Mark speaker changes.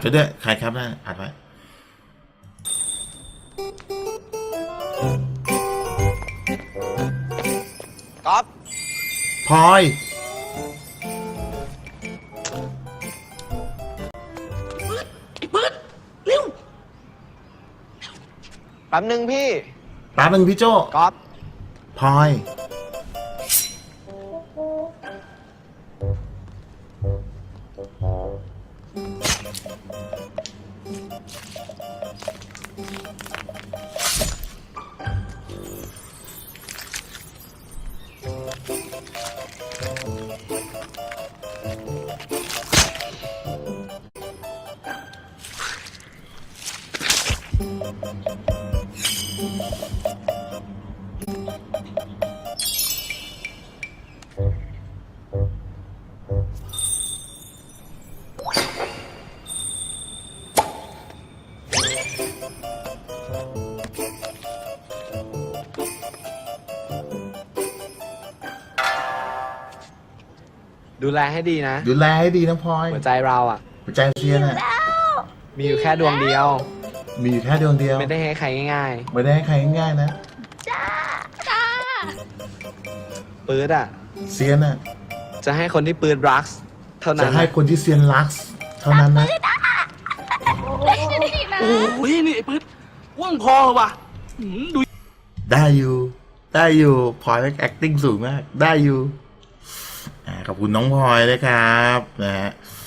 Speaker 1: ไปด้วยใครครับนะอัดไว้
Speaker 2: ก๊อฟ
Speaker 1: พลอย
Speaker 3: ไอ้เบิร์ดเร็ว
Speaker 2: แป๊บนึงพี่
Speaker 1: แป๊บนึงพี่โจ
Speaker 2: ก๊อฟ
Speaker 1: พลอย
Speaker 2: ดูแลให้ดีนะ
Speaker 1: ดูแลให้ดีนะพลอย
Speaker 2: หัวใจเราอ่ะ
Speaker 1: หัวใจเซียนอ่ะ
Speaker 2: มีอยู่แค่ดวงเดียว
Speaker 1: มีอยู่แค่ดวงเดียว
Speaker 2: ไม่ได้ให้ใครง่าย
Speaker 1: ไม่ได้ให้ใครง่ายๆนะ
Speaker 2: ๆปื๊ดอ่ะ
Speaker 1: เซียนอ่ะ
Speaker 2: จะให้คนที่ปื๊ดรักเท่านั้
Speaker 1: จะ
Speaker 2: น
Speaker 1: ให้คนที่เซียนรักเท่านั้นนะ
Speaker 3: โอ้ยนี่ไอ้เบิร์ดว่างพอว่ะดู
Speaker 1: ได้อยู่ได้อยู่พลอย acting สูงมากได้อยู่ขอบคุณน้องพลอยเลยครับนะฮะ